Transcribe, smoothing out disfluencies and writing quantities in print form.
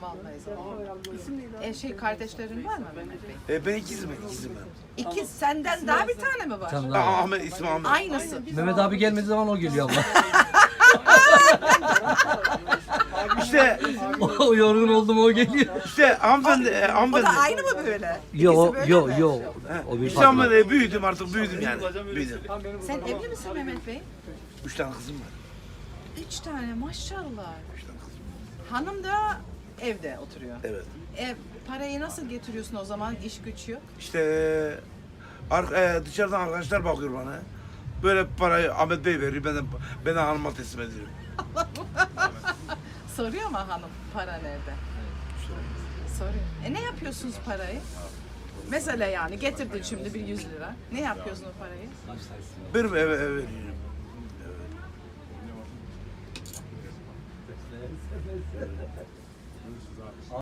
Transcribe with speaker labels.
Speaker 1: Vallahi zor. Kardeşlerin var mı Mehmet Bey?
Speaker 2: Ben ikizim.
Speaker 1: İkiz, senden daha bir tane mi var?
Speaker 3: Tamam, tamam.
Speaker 2: Ahmet, ismi Ahmet.
Speaker 1: Aynısı.
Speaker 3: Mehmet abi gelmediği zaman o geliyor abla.
Speaker 2: İşte
Speaker 3: O yorgun oldu mu o geliyor.
Speaker 2: hanımefendi,
Speaker 1: O da
Speaker 2: hanımefendi.
Speaker 1: aynı mı böyle?
Speaker 3: Yo
Speaker 1: İkisi böyle
Speaker 3: yo
Speaker 1: mi?
Speaker 3: yo. O bir
Speaker 2: İşte ama
Speaker 3: farklı.
Speaker 2: büyüdüm artık, büyüdüm yani. Büyüdüm.
Speaker 1: Sen evli misin Mehmet Bey?
Speaker 2: 3 tane kızım var.
Speaker 1: 3 tane maşallah.
Speaker 2: 3 tane kızım.
Speaker 1: Hanım da evde oturuyor.
Speaker 2: Evet.
Speaker 1: Parayı nasıl getiriyorsun o zaman? İş güç yok.
Speaker 2: İşte dışarıdan arkadaşlar bakıyor bana. Böyle parayı Ahmet Bey veriyor, ben de hanıma teslim ediyorum.
Speaker 1: Soruyor mu hanım para nerede? Soruyor. Ne yapıyorsunuz parayı? Mesela yani getirdin şimdi bir 100 lira. Ne yapıyorsun o parayı?
Speaker 2: Benim eve veriyorum.